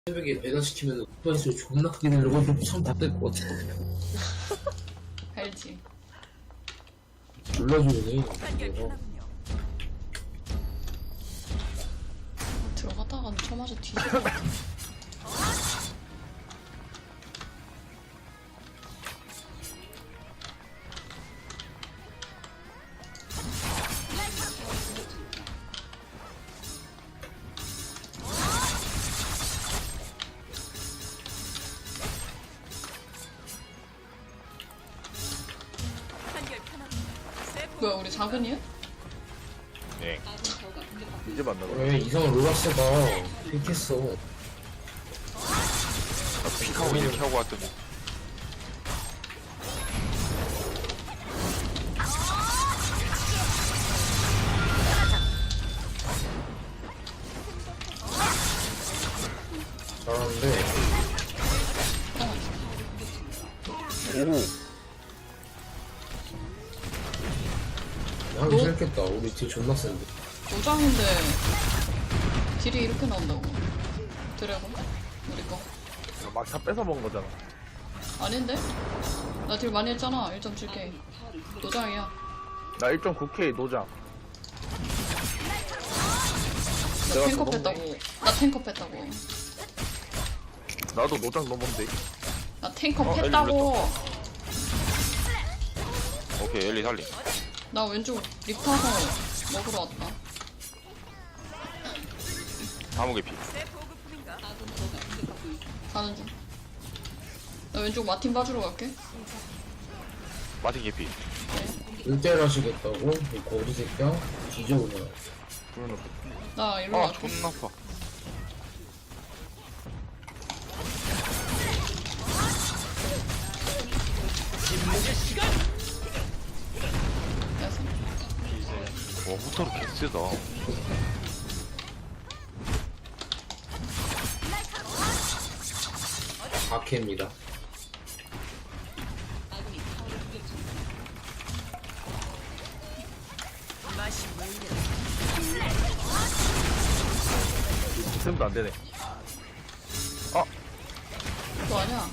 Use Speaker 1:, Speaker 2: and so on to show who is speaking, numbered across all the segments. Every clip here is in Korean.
Speaker 1: 새벽에 배달시키면 오빠에서 존나 크게 들려고 처음 다뜰것 같아.
Speaker 2: 알지.
Speaker 1: 놀라주네.
Speaker 2: 들어갔다가 쳐맞아 뒤질 것 같아. 뭐야 우리 작은이야?
Speaker 3: 네. 이제 만나봐.
Speaker 1: 왜 이상한 로라스가 이렇겠어.
Speaker 3: 픽하고 이렇게 하고 왔더니.
Speaker 1: 잘하는데.
Speaker 3: 오.
Speaker 1: 하기 싫겠다. 우리 뒤 존나 센데.
Speaker 2: 노장인데 딜이 이렇게 나온다고. 드래곤? 우리 거.
Speaker 3: 막 다 뺏어 먹은 거잖아.
Speaker 2: 아닌데? 나 딜 많이 했잖아. 1.7K. 노장이야.
Speaker 3: 나 1.9K 노장.
Speaker 2: 나
Speaker 3: 내가
Speaker 2: 탱커
Speaker 3: 더
Speaker 2: 뺐다고. 나 탱커 뺐다고.
Speaker 3: 나도 노장 넘었는데.
Speaker 2: 나 탱커
Speaker 3: 엘리
Speaker 2: 뺐다고.
Speaker 4: 오케이 엘리 살림.
Speaker 2: 나 왼쪽 립 타서 먹으러 왔다.
Speaker 4: 다무개 피.
Speaker 2: 가는 중. 나 왼쪽 마틴 봐주러 갈게.
Speaker 4: 마틴 개피.
Speaker 1: 1대1 하시겠다고? 이 거리 새끼야? 뒤져 그냥.
Speaker 2: 나 일로
Speaker 4: 아
Speaker 2: 갈게.
Speaker 4: 존나 아파.
Speaker 2: 알았어.
Speaker 4: 와 후타로 개쎄다.
Speaker 1: 박해입니다.
Speaker 3: 있음도 안 되네.
Speaker 2: 그거 아니야?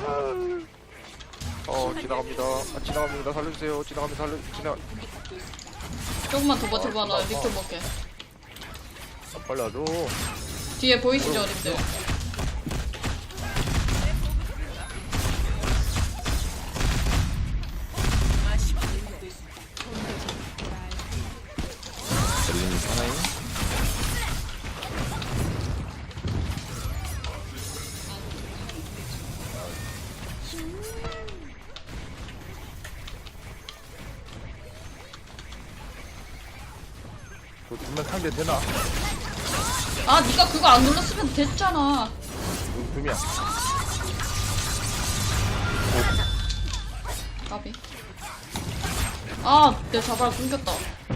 Speaker 4: 지나갑니다. 지나갑니다. 살려주세요. 지나갑니다.
Speaker 2: 조금만 더 버텨봐. 나 립도 먹게.
Speaker 3: 빨리 와줘.
Speaker 2: 뒤에 보이시죠, 립들?
Speaker 4: 엘리님 사나이?
Speaker 3: 저 두명 상대 되나?
Speaker 2: 아, 네가 그거 안 눌렀으면 됐잖아.
Speaker 3: 여기 두 명.
Speaker 2: 까비. 아, 내 자발 끊겼다.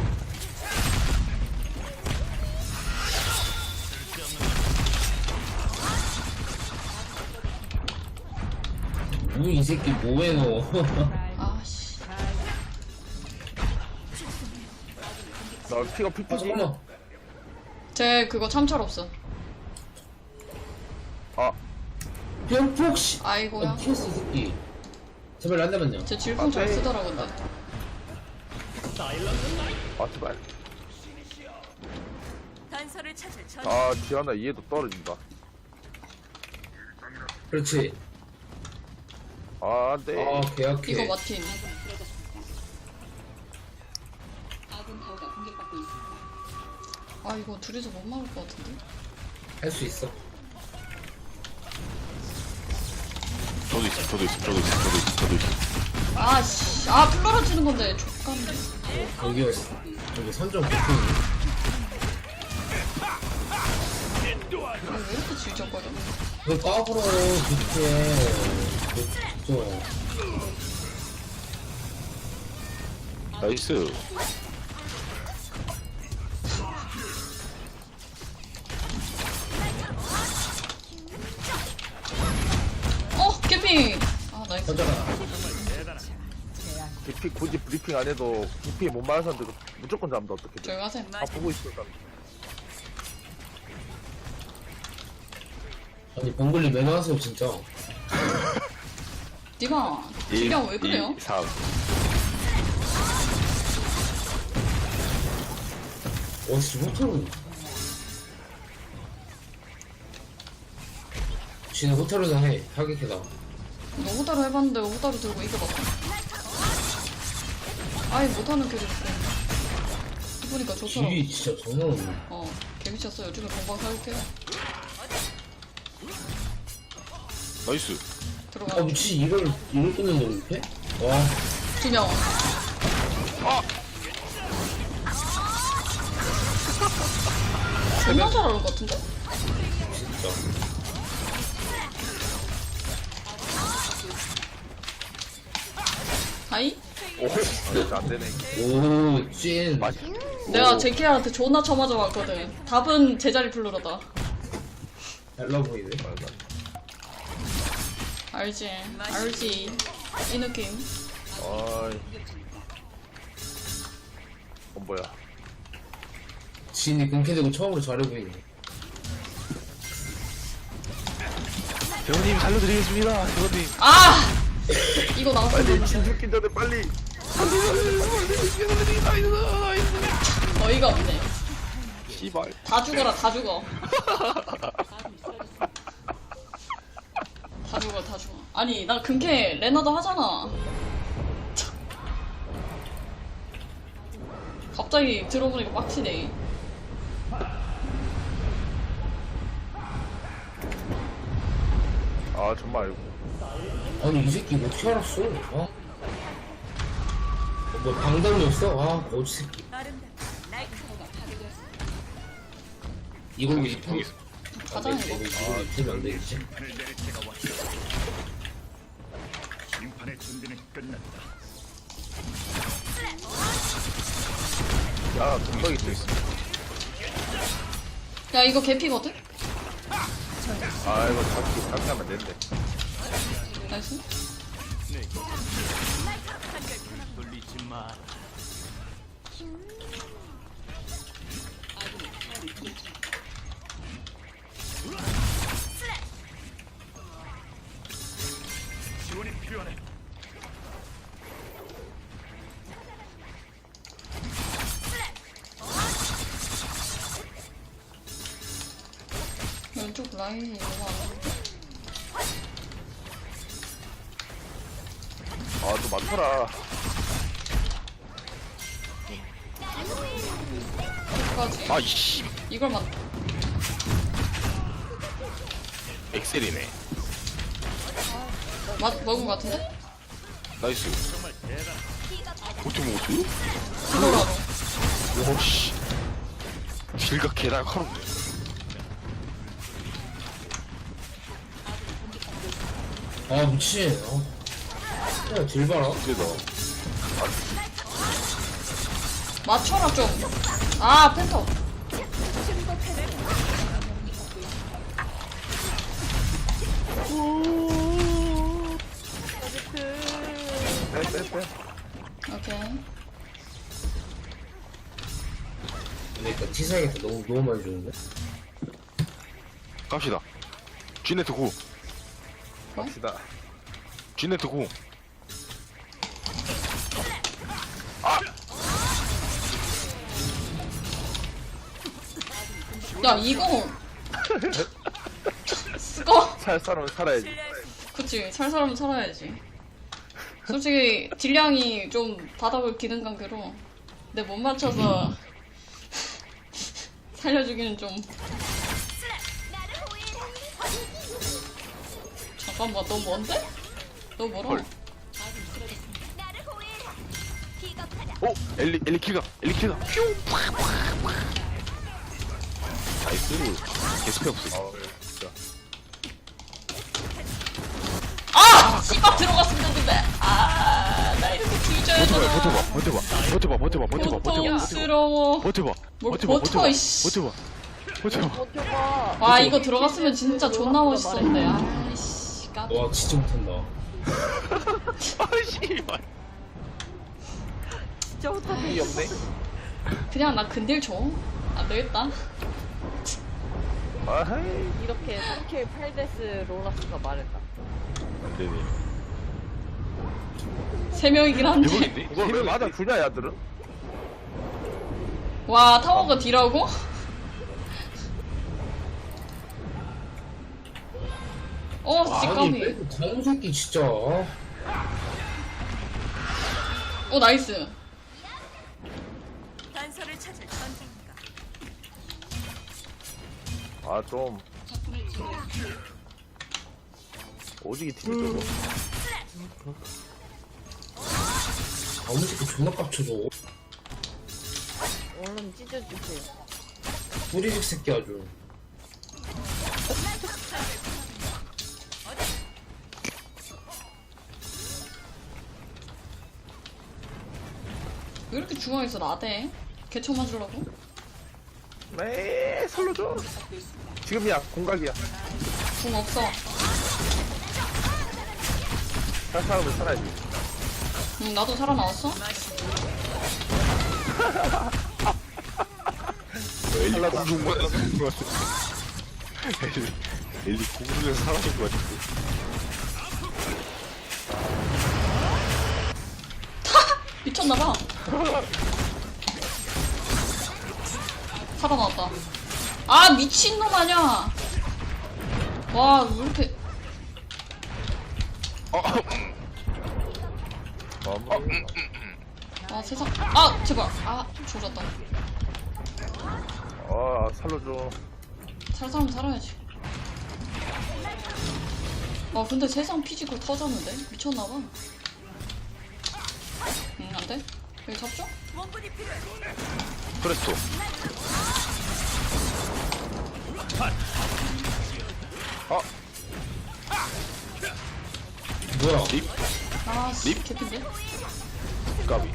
Speaker 1: 이 새끼 뭐해 너.
Speaker 2: 아씨.
Speaker 3: 나 피가
Speaker 1: 아
Speaker 3: 피트지?
Speaker 1: 잠깐만.
Speaker 2: 쟤 그거 참철 없어.
Speaker 3: 아,
Speaker 1: 병폭 씨.
Speaker 2: 아이고야.
Speaker 1: 피했어 이 새끼. 제발 안 되면요.
Speaker 2: 쟤 질풍 잘 쓰더라, 근데.
Speaker 3: 제발.
Speaker 5: 단서를 찾을 전
Speaker 3: 아, 지안아 이해도 떨어진다.
Speaker 1: 그렇지.
Speaker 3: 아, 안 돼.
Speaker 1: 아 계약해.
Speaker 2: 이거 마틴. 아, 이거 둘이서 못 막을 것 같은데?
Speaker 1: 할 수 있어.
Speaker 4: 저도 있어.
Speaker 2: 아씨. 아, 풀 떨어지는 건데. 족같네.
Speaker 1: 여기였어. 여기 선정 폭풍이.
Speaker 2: 왜 이렇게 질적거려?
Speaker 1: 왜 까불어 그렇게. 진짜.
Speaker 4: 나이스.
Speaker 2: 캠핑! 아, 나이스.
Speaker 1: 선정아.
Speaker 3: DP 굳이 브리핑 안 해도 DP 못 맞아서 무조건 잡는다 어떻게 돼?
Speaker 2: 조용히 하세요.
Speaker 3: 다 보고 있어. 나.
Speaker 1: 아니 봉글리 왜 나왔어요 진짜.
Speaker 2: 니가 딜량 왜 그래요?
Speaker 4: 2, 3.
Speaker 1: 와 진짜 호타루. 지는 호타루나 해. 타격해다.
Speaker 2: 너 호다루 해봤는데 호다루 들고 이겨봤어? 아예 못하는 캐릭터. 해보니까 좋더라.
Speaker 1: 딜이 진짜 장난 없네.
Speaker 2: 개미쳤어. 요즘에 공방 사육해.
Speaker 4: 나이스.
Speaker 1: 아
Speaker 2: 들어가.
Speaker 1: 미친 이걸 끊는데 이렇게? 와
Speaker 2: 2명. 존나 잘하는 것 같은데?
Speaker 1: 진짜.
Speaker 2: 하이?
Speaker 3: 오, 진짜 안 되네.
Speaker 1: 오 찐.
Speaker 3: 맞아.
Speaker 2: 내가 제키한테 존나 쳐맞아 왔거든. 답은 제자리 플루러다.
Speaker 1: 달라 보이네.
Speaker 2: 알지? 알지? 이 느낌.
Speaker 3: 어이. 뭐야?
Speaker 1: 진이 끊게 처음으로 잘해 보이네.
Speaker 4: 대원님 살려드리겠습니다. 대원님.
Speaker 2: 아! 이거 나왔으면
Speaker 3: 빨리
Speaker 2: 좋겠는데.
Speaker 3: 진 죽기 전에 빨리.
Speaker 2: 어이가 없네.
Speaker 4: 씨발.
Speaker 2: 다 죽어라, 다 죽어. 다 죽어, 다 죽어. 아니, 나 근캐 레나도 하잖아. 갑자기 들어보니까 빡치네.
Speaker 3: 아 정말.
Speaker 1: 아니 이 새끼 어떻게 알았어? 뭐 방당이었어? 아 거지 새끼. 이걸로
Speaker 4: 거기서, 거기서.
Speaker 2: 가자, 이거.
Speaker 1: 이걸로 입히면 안 되겠지?
Speaker 5: 심판의 준비는 끝났다.
Speaker 3: 야 동덕이 또 있어.
Speaker 2: 야, 이거 개피거든?
Speaker 3: 아 이거 잡기 하면 되는데.
Speaker 2: 나이스.
Speaker 5: 돌리지 마. 지원이 필요하네.
Speaker 2: 왼쪽 라인이 너무 안
Speaker 3: 아 또 많더라.
Speaker 2: 끝까지.
Speaker 4: 아, 이씨.
Speaker 2: 이걸 만
Speaker 4: 엑셀이네.
Speaker 2: 먹은 것 같은데?
Speaker 4: 나이스. 어떻게 먹었어?
Speaker 2: 이거라도.
Speaker 4: 오씨. 길가 개날 하루.
Speaker 1: 아 미친. 야딜 봐라.
Speaker 4: 그래도.
Speaker 2: 맞춰라, 좀. 아, 펜터.
Speaker 3: 빼빼빼.
Speaker 2: 오케이.
Speaker 1: 그러니까 티사이가 너무 많이 주는데.
Speaker 4: 갑시다. G네트 9.
Speaker 3: 갑시다.
Speaker 4: G네트 9.
Speaker 2: 야, 이거. 쓰고.
Speaker 3: 살 사람은 살아야지.
Speaker 2: 그치, 살 사람은 살아야지. 솔직히, 딜량이 좀 바닥을 기는 관계로 내 못 맞춰서 살려주기는 좀. 잠깐만, 너 뭔데? 너 멀어.
Speaker 4: 헐. 오! 엘리 킬가! 엘리 킬가! 퓨! 나이스. 개스페 없어.
Speaker 3: 아 진짜.
Speaker 2: 아! 씨발 들어갔으면 됐는데. 아, 나 이렇게 뒤져야 되나.
Speaker 4: 버텨봐.
Speaker 2: 고통스러워.
Speaker 4: 버텨봐.
Speaker 2: 뭘 버텨, 이씨.
Speaker 4: 버텨봐.
Speaker 2: 와, 이거 들어갔으면 진짜 존나 멋있었는데. 아이씨, 깜.
Speaker 1: 와 진짜 못한다.
Speaker 4: 아, 씨발.
Speaker 3: 이 없네.
Speaker 2: 그냥 나 근딜 줘. 안 되겠다.
Speaker 3: 아하이.
Speaker 6: 이렇게 3K 8데스 로라스가 말했다.
Speaker 4: 안되네.
Speaker 2: 3명이긴 한데.
Speaker 4: 대박인데?
Speaker 3: 이걸 왜 맞아 주냐 야들은?
Speaker 2: 와, 타워가 D라고?
Speaker 1: 아니
Speaker 2: 찌까미.
Speaker 1: 저런 새끼 진짜.
Speaker 2: 나이스.
Speaker 7: 단서를 찾을 전쟁인가.
Speaker 3: 아 좀. 오지게 팀이 저거.
Speaker 1: 아무 새끼 존나 깝쳐줘.
Speaker 6: 얼른 찢어주세요.
Speaker 1: 뿌리식 새끼 아주.
Speaker 2: 왜 이렇게 중앙에서 나대? 개쳐 맞으려고?
Speaker 3: 네 살려줘. 지금이야 공각이야.
Speaker 2: 궁 없어.
Speaker 3: 살 사람은 살아야지.
Speaker 2: 응, 나도 살아나왔어?
Speaker 4: 엘리 공중만 사는 것 같아. 엘리 공중에서 사라진 것 같은데.
Speaker 2: 미쳤나봐. 살아나왔다. 아, 미친놈 아냐! 와, 왜 이렇게. 아, 세상. 아, 제발. 아, 조졌다.
Speaker 3: 아 살려줘.
Speaker 2: 살 사람 살아야지. 아, 근데 세상 피지컬 터졌는데? 미쳤나봐. 응, 안 돼? 여기 잡죠?
Speaker 7: 원군이 필요해.
Speaker 4: 프레스토.
Speaker 1: 뭐야?
Speaker 2: 아, 씨,
Speaker 4: 립?
Speaker 2: 개핀데?
Speaker 4: 까비.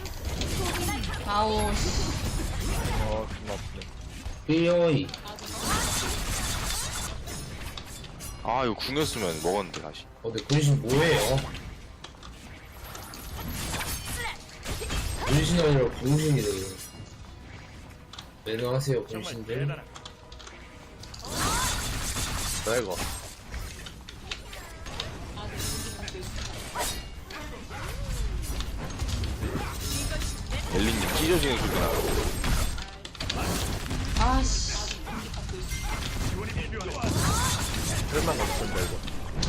Speaker 2: 아우, 씨.
Speaker 3: 존나 아프네.
Speaker 1: 삐어이.
Speaker 4: 아 이거 궁였으면 먹었는데 다시.
Speaker 1: 근데 군신 뭐예요? 군신이 아니라 군신이래. 안녕하세요
Speaker 5: 정말
Speaker 1: 군신들.
Speaker 5: 대단한.
Speaker 3: 나 이거.
Speaker 4: 엘리님 찢어지는 소리 나.
Speaker 2: 아, 씨.
Speaker 3: 그랬나 같은데 이거.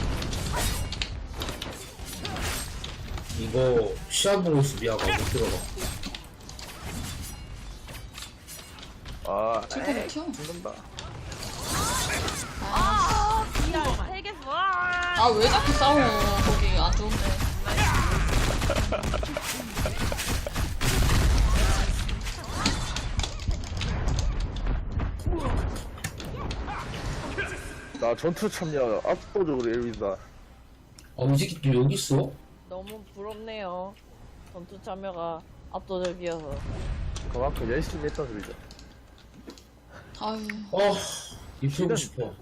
Speaker 1: 이거 시합 보고 있어 미아가 못 들어가.
Speaker 3: 아
Speaker 2: 절대 못 튀어.
Speaker 3: 죽는다.
Speaker 6: 아, 미안. 3개 와.
Speaker 2: 아, 왜 자꾸 싸워? 거기 안 좋은데.
Speaker 3: 나 전투 참여 압도적으로 1위다.
Speaker 1: 이 새끼 또 여기 있어?
Speaker 6: 너무 부럽네요. 전투 참여가 압도적이어서.
Speaker 3: 그만큼 열심히 했던 소리죠.
Speaker 2: 아유.
Speaker 1: 입 세고 싶어.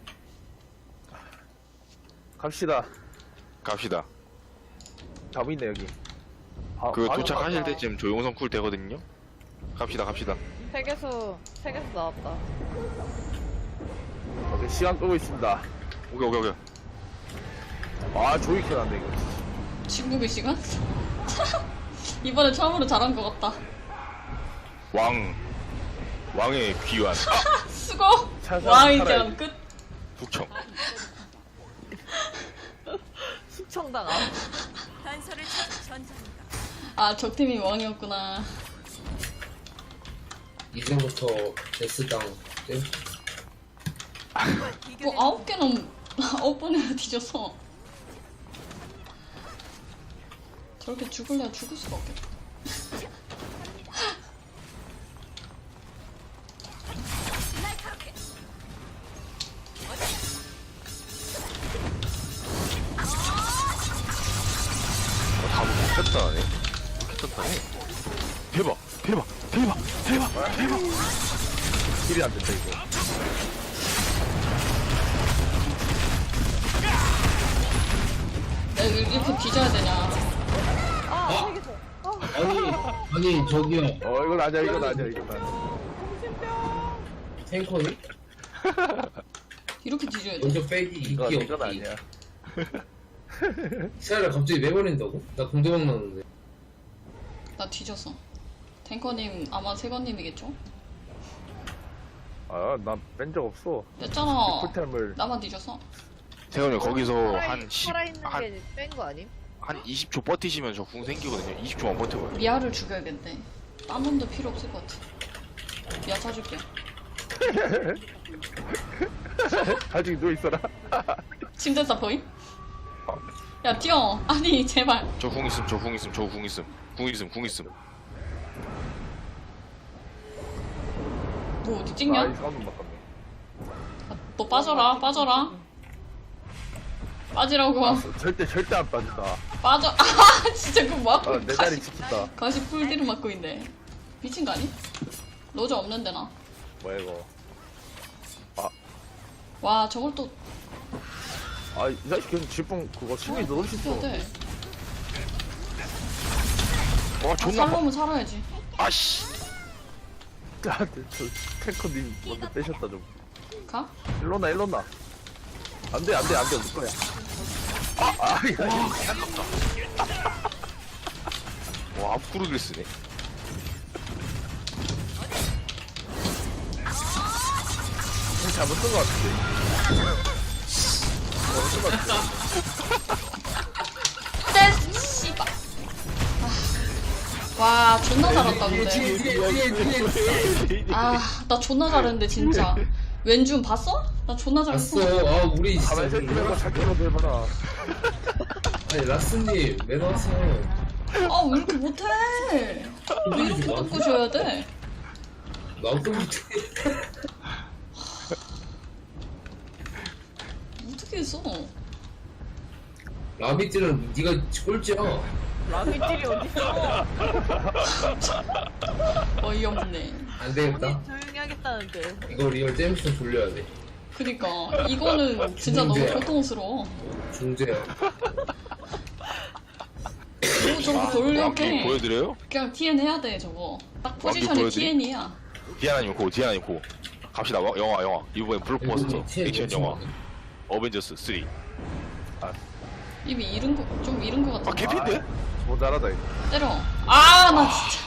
Speaker 3: 갑시다.
Speaker 4: 갑시다.
Speaker 3: 답이 있네 여기.
Speaker 4: 그
Speaker 3: 아,
Speaker 4: 도착하실
Speaker 6: 맞다.
Speaker 4: 때쯤 조용성 쿨 되거든요. 갑시다.
Speaker 6: 3개수 나왔다.
Speaker 3: 오케이, 시간 끄고 있습니다.
Speaker 4: 오케이.
Speaker 3: 아 조이 켜놨네 이거.
Speaker 2: 중국의 시간? 이번에 처음으로 잘한 것 같다.
Speaker 4: 왕의 귀환.
Speaker 2: 수고!
Speaker 3: 잘
Speaker 2: 왕의
Speaker 3: 살아야지.
Speaker 2: 경 끝.
Speaker 4: 북청.
Speaker 6: 숙청당함.
Speaker 7: 단서를 찾을 전쟁인가.
Speaker 2: 아, 적팀이 왕이었구나.
Speaker 1: 이제부터 데스당 땡.
Speaker 2: 뭐 9개는 9번이나 뒤져서 저렇게 죽을래야 죽을 수가 없겠다.
Speaker 7: 날카롭게.
Speaker 4: 다 못했다네. 못했다네. 대박.
Speaker 3: 힐이 안 된다 이거.
Speaker 2: 내가 이렇게 뒤져야 되냐.
Speaker 6: 아, 3개수.
Speaker 1: 아니 저기요
Speaker 3: 이건 아니야.
Speaker 1: 탱커니?
Speaker 2: 이렇게 뒤져야 돼.
Speaker 1: 먼저 빼기
Speaker 3: 이건
Speaker 1: 이기
Speaker 3: 이건
Speaker 1: 없기.
Speaker 3: 아니야.
Speaker 1: 시야를 갑자기 내버린다고? 나 공대방 나는데.
Speaker 2: 나 뒤졌어. 탱커님 아마 세건님이겠죠?
Speaker 3: 아, 난 뺀 적 없어.
Speaker 2: 냈잖아.
Speaker 3: 쿨템을
Speaker 2: 나만 뒤졌어.
Speaker 4: 태현이 거기서 한 10,
Speaker 6: 살아있는
Speaker 4: 한,
Speaker 6: 게 뺀 거 아님?
Speaker 4: 한 20초 버티시면 저 궁 생기거든요. 20초만 버텨봐요.
Speaker 2: 미아를 죽여야겠네. 딴 놈도 필요 없을 것 같아. 미아 사줄게.
Speaker 3: 아직 누워 있어라.
Speaker 2: 침대다 보임? 야 뛰어. 아니 제발.
Speaker 4: 저 궁 있음, 저 궁 있음, 저 궁 있음. 궁 있음, 궁 있음.
Speaker 2: 뭐 어디
Speaker 3: 아,
Speaker 2: 찍냐?
Speaker 3: 이 사운드 바꿨네.
Speaker 2: 너 빠져라. 빠져라. 빠지라고.
Speaker 3: 절대 안 빠진다.
Speaker 2: 빠져. 아 진짜 그거 뭐 하고
Speaker 3: 아, 내 자리
Speaker 2: 가시
Speaker 3: 지킨다.
Speaker 2: 가시 풀디를 맞고 있네. 미친 거 아니? 로저 없는데 나.
Speaker 3: 뭐야 이거?
Speaker 2: 와 저걸 또
Speaker 3: 아, 이 자식 그냥 질풍 그거 심이 너무
Speaker 2: 해야
Speaker 3: 쉽어.
Speaker 2: 돼.
Speaker 4: 와, 존나 막.
Speaker 2: 살려면 살아야지.
Speaker 4: 아씨.
Speaker 3: 아, 저 탱커님 먼저 빼셨다 좀.
Speaker 2: 가?
Speaker 3: 일로나. 안돼 올 거야. 이거
Speaker 4: 와, 앞구르기를 쓰네.
Speaker 3: 잘못 쓴 거 같은데. 잘못 쓴거 같은데.
Speaker 2: 떼 씨발. 와 존나 잘한다 근데. 아 나 존나 잘했는데 진짜. 왼준 봤어? 나 존나
Speaker 1: 봤어.
Speaker 2: 잘했어.
Speaker 1: 아 우리 진짜.
Speaker 3: 가만히 서 있는 거잘 끌어도 해봐라.
Speaker 1: 아니 라스님 왜 나왔어?
Speaker 2: 아 왜 이렇게 못해? 왜 이렇게 뜯고 줘야 돼?
Speaker 1: 나도 못해.
Speaker 2: 어떻게 했어?
Speaker 1: 라비트는 네가 꼴찌야.
Speaker 6: 라미들이 어딨어?
Speaker 2: 어이없네.
Speaker 1: 안 되겠다.
Speaker 6: 조용히 하겠다는데.
Speaker 1: 이거 리얼 잼스 돌려야 돼.
Speaker 2: 그니까 이거는 진짜 너무
Speaker 1: 중재야.
Speaker 2: 고통스러워.
Speaker 1: 중재야.
Speaker 2: 뭐 저거
Speaker 4: 왕기
Speaker 2: 돌려게
Speaker 4: 보여드려요?
Speaker 2: 그냥 TN 해야 돼 저거. 딱
Speaker 4: 왕기
Speaker 2: 포지션이
Speaker 4: 보여드리-
Speaker 2: TN이야.
Speaker 4: 디아나님 고, 디아나님 고. 갑시다, 영화. 이번엔 블록버스터. 액션 영화. 어벤져스 3.
Speaker 2: 이미 잃은 거 좀 잃은 거
Speaker 4: 아,
Speaker 2: 같은데.
Speaker 4: 개피인데?
Speaker 3: 모자라다 이거.
Speaker 2: 때려. 아 나 진짜.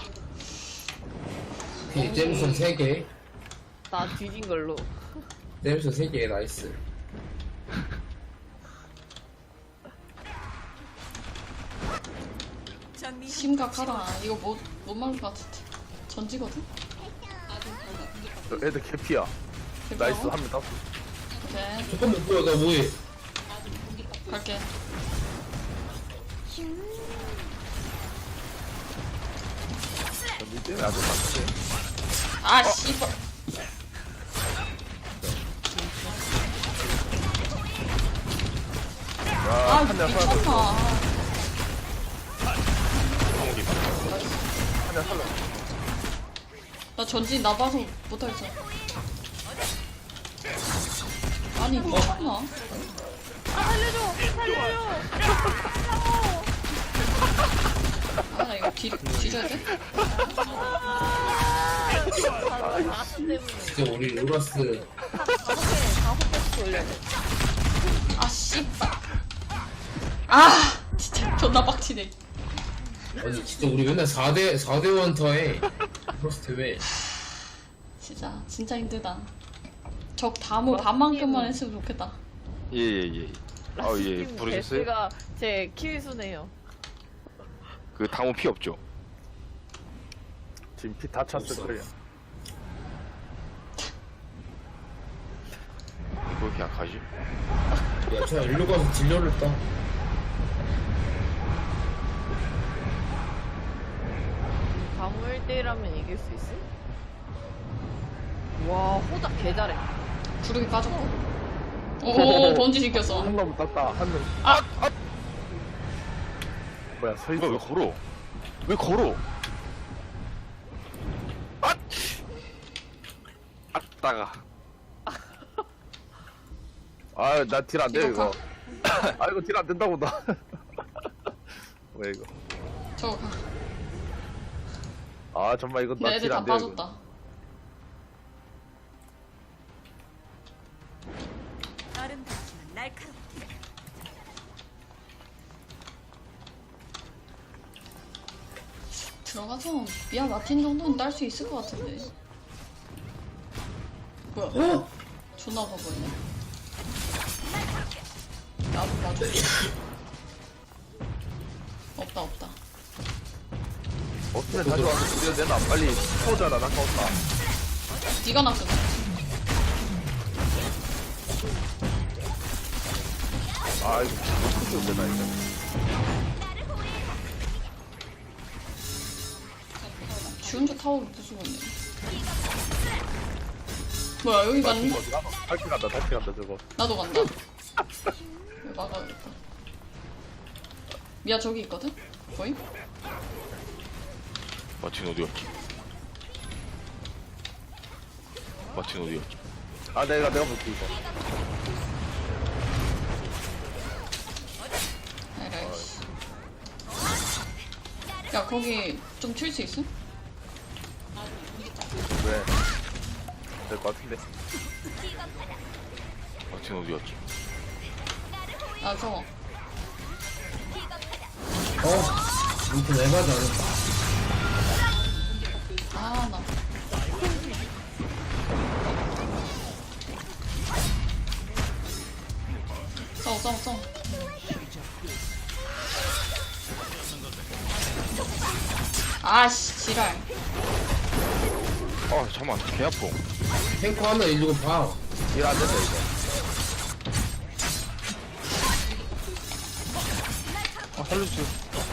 Speaker 1: 오케이, 잼슨 3개.
Speaker 6: 나 뒤진 걸로.
Speaker 1: 잼슨 3개 나이스.
Speaker 7: 전미
Speaker 2: 심각하다. 이거 못 막을 것 같은데. 전지거든.
Speaker 3: 저 애들 개피야. 나이스 한 명 땄어.
Speaker 2: 오케이
Speaker 1: 잠깐만 뭐야 나 뭐해?
Speaker 2: 갈게.
Speaker 3: 니 때문에 아주 맞지.
Speaker 2: 아 씨발. 아
Speaker 3: 한명 살아.
Speaker 2: 미쳤나.
Speaker 3: 한명 살려.
Speaker 2: 나 전진 나봐서 못하겠어. 아니 미쳤나?
Speaker 6: 아 살려줘!
Speaker 2: 아 나 이거 뒤져야 돼?
Speaker 6: 나스 때문에.
Speaker 1: 진짜 우리 로라스
Speaker 6: 다섯 개 돌려야 돼.
Speaker 2: 아 씨발. 아 진짜 존나 빡치네.
Speaker 1: 아니 진짜 우리 맨날 4대 원터에 로라스 대회.
Speaker 2: 진짜 힘들다. 적 다모 반만큼만 했으면 좋겠다.
Speaker 4: 예. 아, 예. 부르셨어요?
Speaker 6: 제가 제 키위수네요.
Speaker 4: 그 당호 피 없죠?
Speaker 3: 지금 피 다 찼을
Speaker 1: 없어.
Speaker 3: 거야.
Speaker 4: 왜 이렇게 약하지?
Speaker 1: 야, 저 일로 가서 딜러를 따.
Speaker 6: 가무 1대1하면 이길 수 있어? 와 호작 개 잘해.
Speaker 2: 구르기 빠졌고. 오 번지 시켰어.
Speaker 3: 한 놈 땄다. 한 명. 뭐야 서
Speaker 4: 이거 왜
Speaker 3: 있어.
Speaker 4: 걸어? 왜 걸어? 아! 아따가.
Speaker 3: 아, 나 딜 안 돼
Speaker 2: 이거
Speaker 3: 이거. 아, 이거 딜 안 된다고 나. 왜 이거?
Speaker 2: 저거 가.
Speaker 3: 아, 정말 이거 나
Speaker 2: 애들
Speaker 3: 딜
Speaker 2: 다
Speaker 3: 안 돼. 이거.
Speaker 2: 빠졌다. 들어가서 미아 마틴 정도는 딸 수 있을 것 같은데. 뭐야?
Speaker 1: 어?
Speaker 2: 존나 바보네. 나도 봐줘. 없다.
Speaker 3: 없으면 다시 와서 드려야 되나? 빨리 터져라, 나 껐다.
Speaker 2: 네가 낚였어.
Speaker 3: 아, 이거 못 터져도 되나, 이거.
Speaker 2: 지 혼자 타워를 부수고 있네. 뭐야 여기 맞니?
Speaker 3: 다시 간다, 저거.
Speaker 2: 나도 간다. 이거 막아야겠다. 미아 저기 있거든? 보임?
Speaker 4: 마틴 어디 갔지? 마틴 어디 갔지?
Speaker 3: 아, 내가 볼게, 이거.
Speaker 2: 에라이씨. 야 거기 좀 튈 수 있음?
Speaker 3: 왜? 될 것 같은데.
Speaker 4: 마틴 어디 갔지?
Speaker 2: 아 저거.
Speaker 1: 이렇게 왜 맞아?
Speaker 2: 아 나. 싸워. 아씨 지랄.
Speaker 4: 아 잠깐만 개 아파.
Speaker 1: 탱커 하나 일리고 봐.
Speaker 3: 일 안 된다, 이거.
Speaker 4: 아 살려주세요.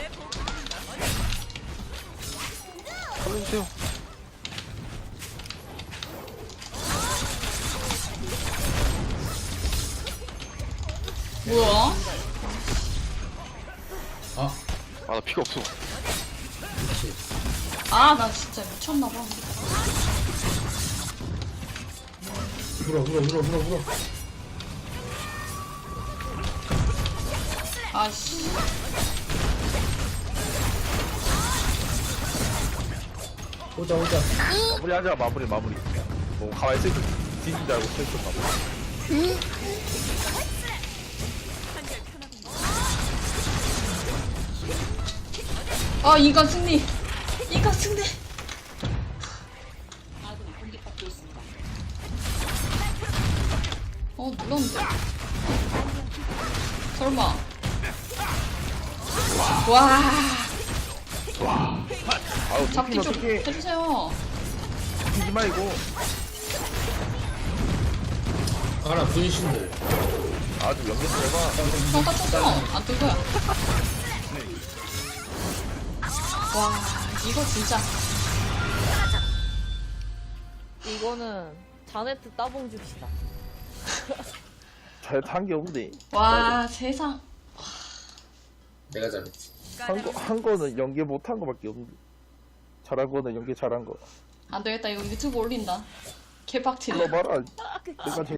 Speaker 4: 살려주세요.
Speaker 2: 뭐야?
Speaker 1: 아,
Speaker 4: 아 나 피가 없어.
Speaker 1: 그렇지.
Speaker 2: 아 나 진짜 미쳤나봐.
Speaker 1: 물어.
Speaker 2: 아씨.
Speaker 1: 오자.
Speaker 3: 마무리하자, 마무리. 뭐, 가만히 있을 때 뒤진 줄 알고 쳤었나 봐.
Speaker 2: 아 인간 승리. 눌렀는데. 설마. 와.
Speaker 3: 아우,
Speaker 2: 잡기 좀
Speaker 3: 어떡해.
Speaker 2: 해주세요.
Speaker 3: 죽이지 말고.
Speaker 1: 가라, 분신들.
Speaker 3: 아주 연결 좀 해봐.
Speaker 2: 평가 쳤어. 안 뜰 거야. 와 이거 진짜.
Speaker 6: 이거는 자네트 따봉 줍시다.
Speaker 3: 잘 탄 게 없네.
Speaker 2: 와 세상.
Speaker 1: 내가 잘했지.
Speaker 3: 한 거는 연계 못한 거밖에 없는데. 잘한 거는 연계 잘한 거.
Speaker 2: 안 되겠다 이거 유튜브 올린다. 개빡치네.
Speaker 3: 불러봐라. 내가 제일